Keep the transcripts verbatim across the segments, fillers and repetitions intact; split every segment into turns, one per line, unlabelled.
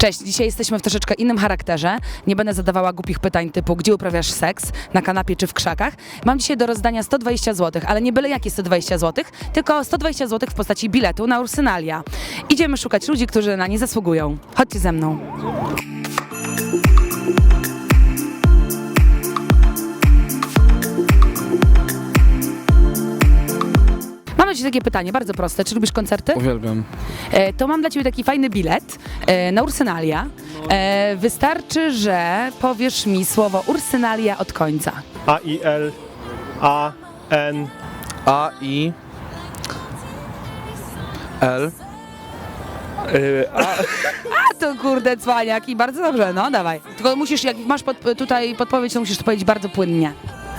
Cześć, dzisiaj jesteśmy w troszeczkę innym charakterze. Nie będę zadawała głupich pytań typu, gdzie uprawiasz seks, na kanapie czy w krzakach. Mam dzisiaj do rozdania sto dwadzieścia złotych, ale nie byle jakie sto dwadzieścia złotych, tylko sto dwadzieścia złotych w postaci biletu na Ursynalia. Idziemy szukać ludzi, którzy na nie zasługują. Chodźcie ze mną. Mam ci takie pytanie, bardzo proste. Czy lubisz koncerty?
Uwielbiam.
E, to mam dla ciebie taki fajny bilet e, na Ursynalia. E, wystarczy, że powiesz mi słowo Ursynalia od końca.
A I L A N
A I L
y, A
A to kurde cwaniak i bardzo dobrze, no dawaj. Tylko musisz, jak masz pod, tutaj podpowiedź, to musisz to powiedzieć bardzo płynnie.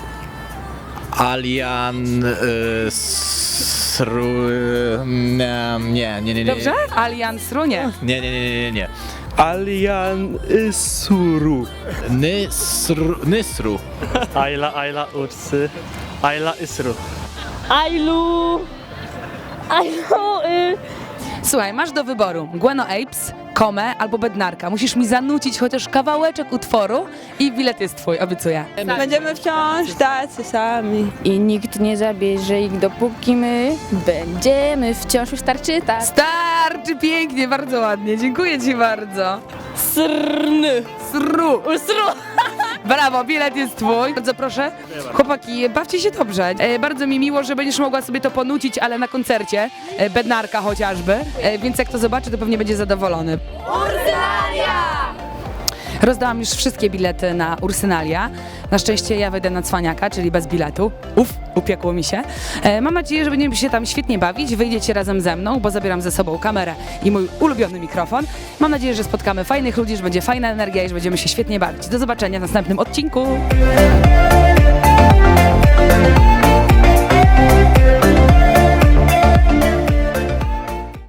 Alian y, Sru... Nie, nie, nie, nie.
Dobrze? Alians Runie.
Nie, nie, nie, nie, nie.
Alian Suru
Nysru. Nysru.
Ayla Ayla Ursy Ayla Isru.
Ailu! Ailu! Y...
Słuchaj, masz do wyboru Gueno Apes, Komę albo Bednarka. Musisz mi zanucić chociaż kawałeczek utworu i bilet jest twój, obiecuję.
Będziemy wciąż tacy sami. I nikt nie zabierze ich, dopóki my będziemy wciąż wystarczy tak.
Starczy pięknie, bardzo ładnie, dziękuję ci bardzo.
Srny!
Sru.
Sru!
Brawo, bilet jest twój. Bardzo proszę. Chłopaki, bawcie się dobrze. E, bardzo mi miło, że będziesz mogła sobie to ponucić, ale na koncercie. E, Bednarka chociażby. E, więc jak to zobaczy, to pewnie będzie zadowolony. Ursynalia! Rozdałam już wszystkie bilety na Ursynalia. Na szczęście ja wejdę na cwaniaka, czyli bez biletu. Uf, upiekło mi się. E, mam nadzieję, że będziemy się tam świetnie bawić. Wyjdziecie razem ze mną, bo zabieram ze sobą kamerę i mój ulubiony mikrofon. Mam nadzieję, że spotkamy fajnych ludzi, że będzie fajna energia i że będziemy się świetnie bawić. Do zobaczenia w następnym odcinku.